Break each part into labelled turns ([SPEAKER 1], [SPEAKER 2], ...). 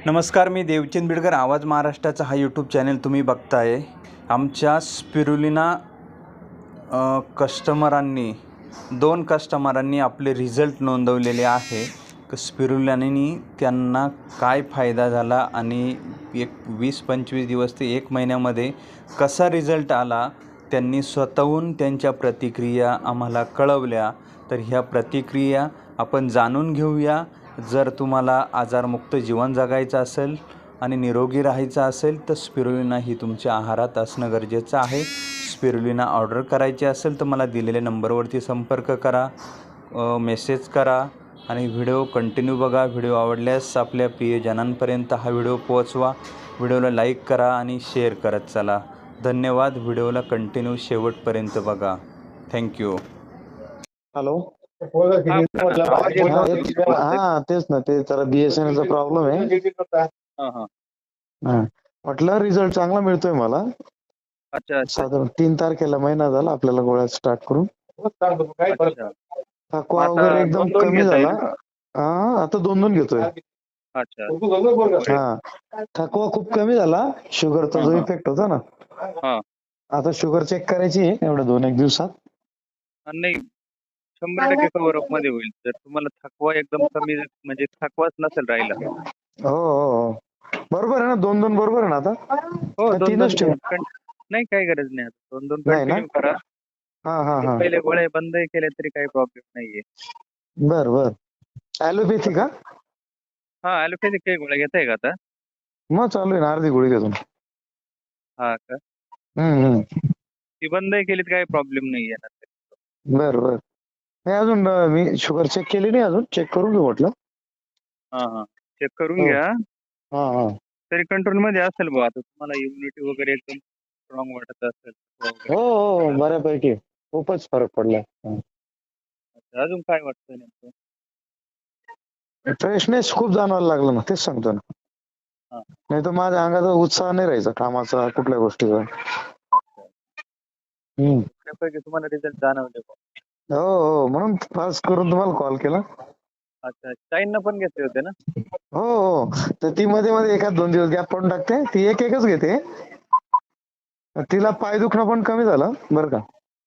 [SPEAKER 1] नमस्कार, मी देवचंद बिडकर. आवाज महाराष्ट्राचा हा यूट्यूब चॅनल तुम्ही बघताय. आमच्या स्पिरुलिना दोन कस्टमरांनी आपले रिझल्ट नोंदवलेले आहे. स्पिरुलिनानी त्यांना काय फायदा झाला आणि 20-25 दिवस ते 1 महिन्यामध्ये कसा रिझल्ट आला, त्यांनी स्वतःहून त्यांच्या प्रतिक्रिया आम्हाला कळवल्या. तर ह्या प्रतिक्रिया आपण जाणून घेऊया. जर तुम्हाला आजारमुक्त जीवन जगायचं असेल आणि निरोगी राहायचं असेल तर स्पिरुलिना ही तुमच्या आहारात असणं गरजेचं आहे. स्पिरुलिना ऑर्डर करायची असेल तर मला दिलेल्या नंबरवरती संपर्क करा, मेसेज करा आणि व्हिडिओ कंटिन्यू बघा. व्हिडिओ आवडल्यास आपल्या प्रियजनांपर्यंत हा व्हिडिओ पोहोचवा. व्हिडिओला लाईक करा आणि शेअर करत चला. धन्यवाद. व्हिडिओला कंटिन्यू शेवटपर्यंत बघा. थँक्यू.
[SPEAKER 2] हॅलो.
[SPEAKER 3] हा,
[SPEAKER 2] तेच ना, ते जरा BSNL चा प्रॉब्लेम आहे. म्हटलं रिझल्ट चांगला मिळतोय मला.
[SPEAKER 3] अच्छा.
[SPEAKER 2] साधारण 3 तारखेला महिना झाला आपल्याला गोळ्या स्टार्ट करून. थकवा वगैरे एकदम कमी झाला. आता 2-2 घेतोय.
[SPEAKER 3] अच्छा.
[SPEAKER 2] थकवा खूप कमी झाला. शुगरचा जो इफेक्ट होता ना, आता शुगर चेक करायची आहे एवढ्या 2-1 दिवसात.
[SPEAKER 3] नाही, 100% कव्हर अप मध्ये होईल जर तुम्हाला थकवा एकदम कमी, म्हणजे थकवाच नसेल राहिला.
[SPEAKER 2] हो, बरोबर आहे ना. 2-2 बरोबर आहे ना आता.
[SPEAKER 3] हो,
[SPEAKER 2] 3च ठेव.
[SPEAKER 3] नाही, काही गरज नाही. 2-2
[SPEAKER 2] नाही ना?
[SPEAKER 3] कंटिन्यू करा. पहिले गोळ्या बंद केल्या तरी काही प्रॉब्लेम नाहीये.
[SPEAKER 2] बर. ॲलोपॅथी का?
[SPEAKER 3] ॲलोपॅथिक काही गोळ्या घेताय का आता?
[SPEAKER 2] मग चालू आहे ना, अर्धी गोळी घेतो.
[SPEAKER 3] हा का? ती बंद केली तर काही प्रॉब्लेम नाहीये ना.
[SPEAKER 2] बर. नाही, अजून मी शुगर चेक केली नाही. अजून चेक करून घेऊ म्हटलं.
[SPEAKER 3] चेक करून घ्या.
[SPEAKER 2] हा.
[SPEAKER 3] तरी कंट्रोल मध्ये असेल बुवा. आता तुम्हाला इम्युनिटी वगैरे एकदम स्ट्रॉंग वाटत असेल.
[SPEAKER 2] हो, बऱ्यापैकी खूपच फरक पडला.
[SPEAKER 3] अजून काय वाटतं नेमकं?
[SPEAKER 2] फ्रेशनेस खूप जाणवायला लागला ना, तेच सांगतो ना. नाही तर माझ्या अंगात उत्साह नाही राहायचा कामाचा, कुठल्या गोष्टीचा.
[SPEAKER 3] तुम्हाला रिझल्ट जाणवले.
[SPEAKER 2] हो, म्हणून खास करून तुम्हाला कॉल केला.
[SPEAKER 3] अच्छा, ताईंना पण घेतले होते ना?
[SPEAKER 2] हो, तर ती मध्ये 1-2 दिवस गॅप पडून टाकते. ती एकच घेते. तिला पाय दुखणं पण कमी झालं बरं का.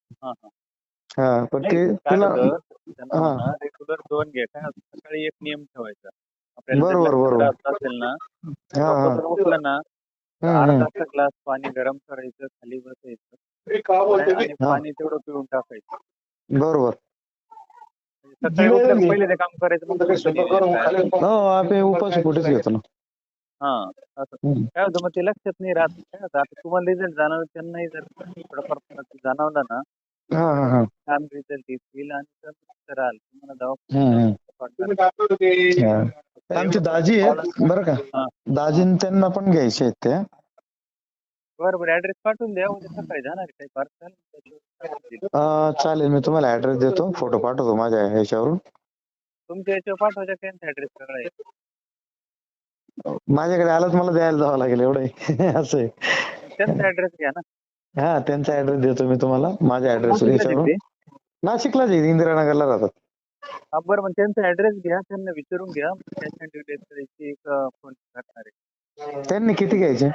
[SPEAKER 2] पण तिला
[SPEAKER 3] रेग्युलर 2 घे. काय सकाळी एक नियम ठेवायचा. आपल्याला जर
[SPEAKER 2] बरोबर.
[SPEAKER 3] त्रास असेल ना, झोपेतून उठलं ना, अर्धा ग्लास पाणी गरम करायचं, खाली बसायचं आणि पाणी तेवढं पिऊन टाकायचं.
[SPEAKER 2] बरोबर.
[SPEAKER 3] सकाळी उठल्यावर पहिले ते काम करायचं.
[SPEAKER 2] हो, आपण उपास कुठेच घेतो ना.
[SPEAKER 3] काय होतं मग ते लक्षात नाही राहत. काय होतं, आता तुम्हाला रिझल्ट जाणवलं, त्यांनाही जर थोडंफार जाणवलं ना, छान रिझल्ट येईल आणि कराल तुम्हाला दवाखान्यात.
[SPEAKER 2] आमची दाजी आहेत बरं का. दाजीन त्यांना पण घ्यायचे आहेत ते.
[SPEAKER 3] बरोबर, ऍड्रेस पाठवून द्या. उद्या सकाळी जाणार काही पार्सल.
[SPEAKER 2] चालेल, मी तुम्हाला ऍड्रेस देतो, फोटो पाठवतो माझ्या ह्याच्यावरून.
[SPEAKER 3] तुमच्या याच्यावर पाठवायचा, त्यांचा ऍड्रेस सगळा आहे.
[SPEAKER 2] माझ्याकडे आलाच मला द्यायला जावं लागेल एवढं असं आहे.
[SPEAKER 3] त्यांचा ऍड्रेस घ्या ना.
[SPEAKER 2] त्यांचा ऍड्रेस देतो मी तुम्हाला, माझ्या ऍड्रेस याच्यावरून. नाशिकलाच आहे, इंदिरानगरला राहतात.
[SPEAKER 3] बरं, मग त्यांचा ऍड्रेस घ्या, त्यांना विचारून घ्या. कॅश ऑन डिलिव्हरी एक फोन करणार आहे.
[SPEAKER 2] त्यांनी किती घ्यायचे?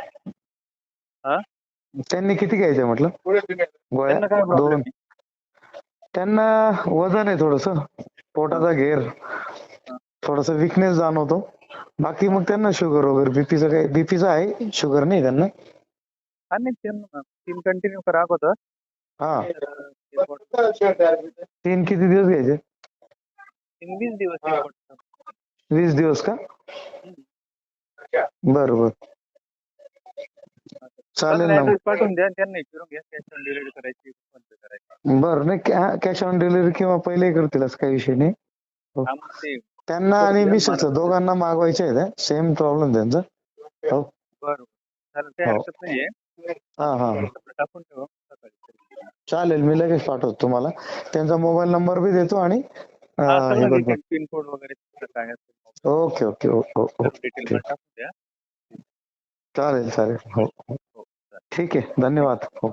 [SPEAKER 2] म्हटलं गोळ्या? 2. त्यांना वजन आहे, थोडस पोटाचा घेर, थोडस विकनेस जाणवतो. बाकी मग त्यांना शुगर वगैरे बीपीचा आहे, शुगर नाही त्यांना.
[SPEAKER 3] त्यांना 3 कंटिन्यू करा अगोदर.
[SPEAKER 2] 3 किती दिवस घ्यायचे?
[SPEAKER 3] 20 दिवस.
[SPEAKER 2] 20 दिवस का? बरोबर, चालेल ना.
[SPEAKER 3] पाठवून द्या, त्यांना विचारून घ्या कॅश ऑन डिलिव्हरी करायची.
[SPEAKER 2] बरं, नाही कॅश ऑन डिलिव्हरी किंवा पहिले करतील असं काही विषय नाही. त्यांना आणि मिसेस दोघांना मागवायचे आहेत. सेम प्रॉब्लेम त्यांचा. हो,
[SPEAKER 3] बरोबर, काही हरकत नाहीये. टाकून ठेवा.
[SPEAKER 2] चालेल, मी लगेच पाठवतो तुम्हाला. त्यांचा मोबाईल नंबर बी देतो आणि
[SPEAKER 3] पिन कोड वगैरे काय असेल.
[SPEAKER 2] ओके. चालेल. हो, ठीक आहे, धन्यवाद. हो.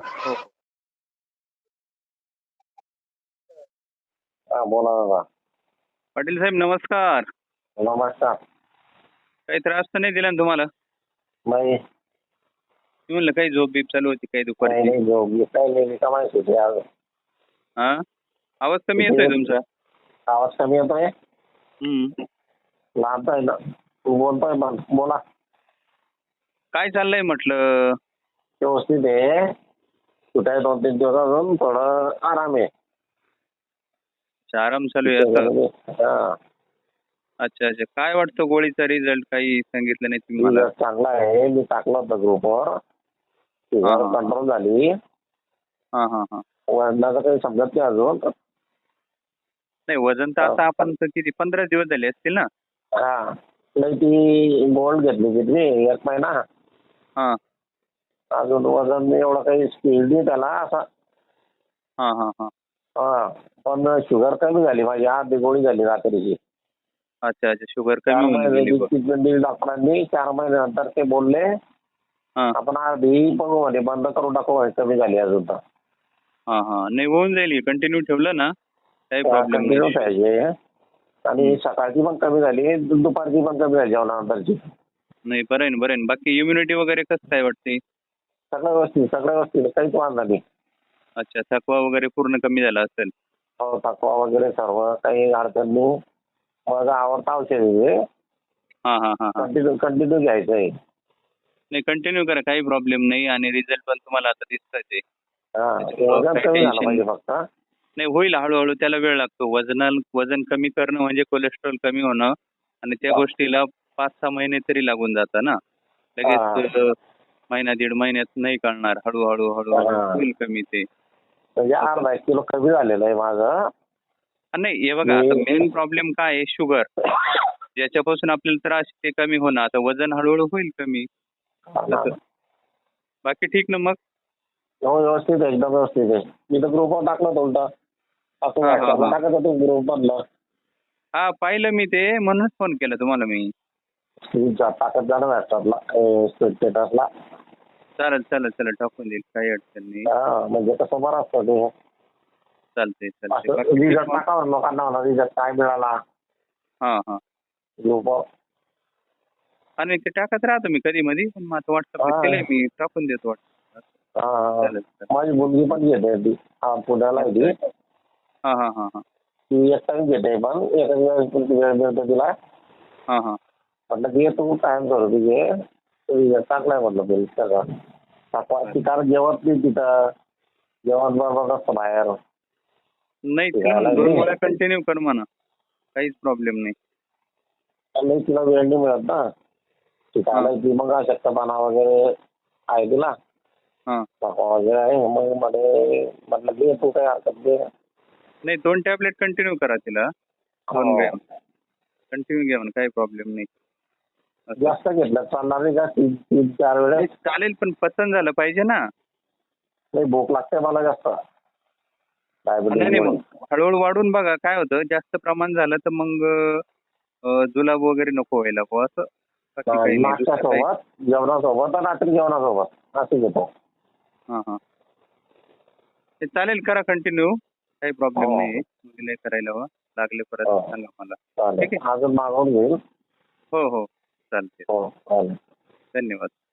[SPEAKER 4] बोला दादा.
[SPEAKER 3] पाटील साहेब, नमस्कार.
[SPEAKER 4] नमस्कार.
[SPEAKER 3] काही त्रास तर नाही दिला ना तुम्हाला?
[SPEAKER 4] नाही
[SPEAKER 3] मी म्हणलं काही झोप बीप चालू होती काही
[SPEAKER 4] नाही
[SPEAKER 3] दुपारची?
[SPEAKER 4] नाही झोप घेत नाही नेहमी कमायची होती आज.
[SPEAKER 3] हा, आवाज कमी येतोय तुमचा.
[SPEAKER 4] आवाज कमी येतोय
[SPEAKER 3] हम्म.
[SPEAKER 4] लांब आहे ना तू बोलतोय पण बोला
[SPEAKER 3] काय चाललंय म्हटलं?
[SPEAKER 4] व्यवस्थित आहे कुठे 2-3 दिवस अजून थोडं आराम आहे.
[SPEAKER 3] आराम चालू आहे आता.
[SPEAKER 4] हा
[SPEAKER 3] अच्छा अच्छा. काय वाटतं गोळीचा रिझल्ट काही सांगितलं नाही तुम्ही मला?
[SPEAKER 4] रिझल्ट चांगला आहे मी टाकलं होतं ग्रुपवर शुगर
[SPEAKER 3] हा.
[SPEAKER 4] कंट्रोल झाली.
[SPEAKER 3] हा हा हा.
[SPEAKER 4] वजनाचं काही समजत नाही अजून.
[SPEAKER 3] नाही वजन तर आता आपण तर किती 15 दिवस झाले असतील ना?
[SPEAKER 4] हा नाही ती गोल्ड घेतली 1 महिना
[SPEAKER 3] हा
[SPEAKER 4] अजून वजन एवढं काही स्पीड नाही त्याला असा.
[SPEAKER 3] हा हा हा.
[SPEAKER 4] हा पण शुगर कमी झाली माझी अर्धी गोळी झाली रात्रीची.
[SPEAKER 3] अच्छा अच्छा. शुगर
[SPEAKER 4] 4
[SPEAKER 3] कमी होऊन गेली
[SPEAKER 4] महिन्याची
[SPEAKER 3] बघ.
[SPEAKER 4] ट्रीटमेंट दिली डॉक्टरांनी 4 महिन्यानंतर ते बोलले
[SPEAKER 3] हा
[SPEAKER 4] आपण अर्धी बघू म्हणे बंद करून टाकू म्हणे कमी झाली अजून तर.
[SPEAKER 3] हा हा. नाही होऊन जाईल कंटिन्यू ठेवलं ना काही प्रॉब्लेम
[SPEAKER 4] कंटिन्यू
[SPEAKER 3] नाही.
[SPEAKER 4] पाहिजे आणि सकाळची पण कमी झाली दुपारची पण कमी झाली जेवणानंतरची.
[SPEAKER 3] नाही बरं आहे ना बरं आहे ना. बाकी इम्युनिटी वगैरे कसं काय वाटते?
[SPEAKER 4] सगळं व्यवस्थित काहीच वांधा नाही.
[SPEAKER 3] अच्छा. थकवा वगैरे पूर्ण कमी झाला असेल.
[SPEAKER 4] हो थकवा वगैरे सर्व काही अडचण नाही. माझं आवडतं औषध आहे
[SPEAKER 3] हा हा हा हा.
[SPEAKER 4] कंटिन्यू घ्यायचं आहे.
[SPEAKER 3] नाही कंटिन्यू करा काही प्रॉब्लेम नाही आणि रिझल्ट पण तुम्हाला आता दिसतंय ते.
[SPEAKER 4] हा
[SPEAKER 3] त्याच्यामुळं
[SPEAKER 4] वजन
[SPEAKER 3] काही
[SPEAKER 4] कमी झालं
[SPEAKER 3] टेन्शन
[SPEAKER 4] पाहिजे
[SPEAKER 3] नाही.
[SPEAKER 4] फक्त.
[SPEAKER 3] नाही होईल हळूहळू त्याला वेळ लागतो. वजन कमी करणं म्हणजे कोलेस्ट्रॉल कमी होणं आणि त्या गोष्टीला 5-6 महिने तरी लागून जातात ना. लगेच महिना 1.5 महिन्यात नाही कळणार. हळूहळू हळूहळू होईल कमी ते.
[SPEAKER 4] म्हणजे अर्धा 1 किलो कमी झालेलं आहे माझं.
[SPEAKER 3] नाही हे बघा आता मेन प्रॉब्लेम काय आहे शुगर. ज्याच्यापासून आपल्याला त्रास ते कमी होणं. आता वजन हळूहळू होईल कमी. तसं. बाकी ठीक ना मग?
[SPEAKER 4] हो व्यवस्थित आहे एकदम व्यवस्थित आहे. मी तर ग्रुपवर टाकलं होतं उलटा. असं
[SPEAKER 3] हा, हा,
[SPEAKER 4] व्हॉट्सअपला
[SPEAKER 3] हा.
[SPEAKER 4] टाकत होतो ग्रुप मधलं.
[SPEAKER 3] हा पाहिलं मी ते म्हणूनच फोन केला तुम्हाला मी.
[SPEAKER 4] टाकत जाणं व्हॉट्सअपला स्टेटसला.
[SPEAKER 3] चालेल चालेल चालेल टाकून देईल काही अडचण नाही.
[SPEAKER 4] हा म्हणजे कसं बरं असतं ते.
[SPEAKER 3] चालतंय चालतंय.
[SPEAKER 4] असं
[SPEAKER 3] बाकी ठीक
[SPEAKER 4] रिझल्ट
[SPEAKER 3] मग?
[SPEAKER 4] टाकावं लोकांना म्हणा रिझल्ट काय मिळाला
[SPEAKER 3] हा हा.
[SPEAKER 4] ग्रुपवर.
[SPEAKER 3] आणि ते टाकत राहतो मी कधी मधी पण माझं व्हॉट्सअपला केलंय मी टाकून देतो व्हॉट्सअप.
[SPEAKER 4] हा
[SPEAKER 3] चालेल चालेल.
[SPEAKER 4] माझी मुलगी पण घेते ती पुण्याला आहे ती.
[SPEAKER 3] हा हा हा हा.
[SPEAKER 4] ती एक टाइम घेते पण एखाद्या वेळेस वेळ मिळतो तिला.
[SPEAKER 3] हा हा.
[SPEAKER 4] म्हटलं की तू टाइम करू घे रिझल्ट टाकलाय म्हटलं बिल सगळं. ती कारण जेवत नाही तिथं जेवण बरोबर नसतं बाहेर.
[SPEAKER 3] नाही तिला 2 गोळ्या कंटिन्यू कर म्हणा काहीच प्रॉब्लेम नाही.
[SPEAKER 4] नाही तिला वेळ नाही मिळत ना. शिकायला ती मग अशक्तपणा वगैरे आहे तिला.
[SPEAKER 3] हा.
[SPEAKER 4] थकवा वगैरे आहे मग म्हटलं घे तू काही हरकत घे.
[SPEAKER 3] नाही 2 टॅबलेट कंटिन्यू करा तिला. 2 ग्रॅम कंटिन्यू घ्या म्हणा काही प्रॉब्लेम नाही.
[SPEAKER 4] जास्त घेतलं चालणार नाही का 3-4 वेळेस.
[SPEAKER 3] चालेल पण पचन झालं पाहिजे ना.
[SPEAKER 4] नाही भूक लागते मला जास्त.
[SPEAKER 3] नाही नाही मग हळूहळू वाढून बघा काय होतं जास्त प्रमाण झालं तर मग जुलाब वगैरे नको व्हायला बुवा असं. बाकी काही नाही दुसरं काही.
[SPEAKER 4] नाश्त्यासोबत जेवणासोबत आणि रात्री जेवणासोबत असं घेतो.
[SPEAKER 3] हां हां. ते चालेल करा कंटिन्यू काही प्रॉब्लेम नाही. मुलीला करायला हवं लागले परत सांगा मला.
[SPEAKER 4] चालेल
[SPEAKER 3] ठीक आहे.
[SPEAKER 4] अजून मागवून घेईल.
[SPEAKER 3] हो हो चालते.
[SPEAKER 4] हो चालेल.
[SPEAKER 3] धन्यवाद.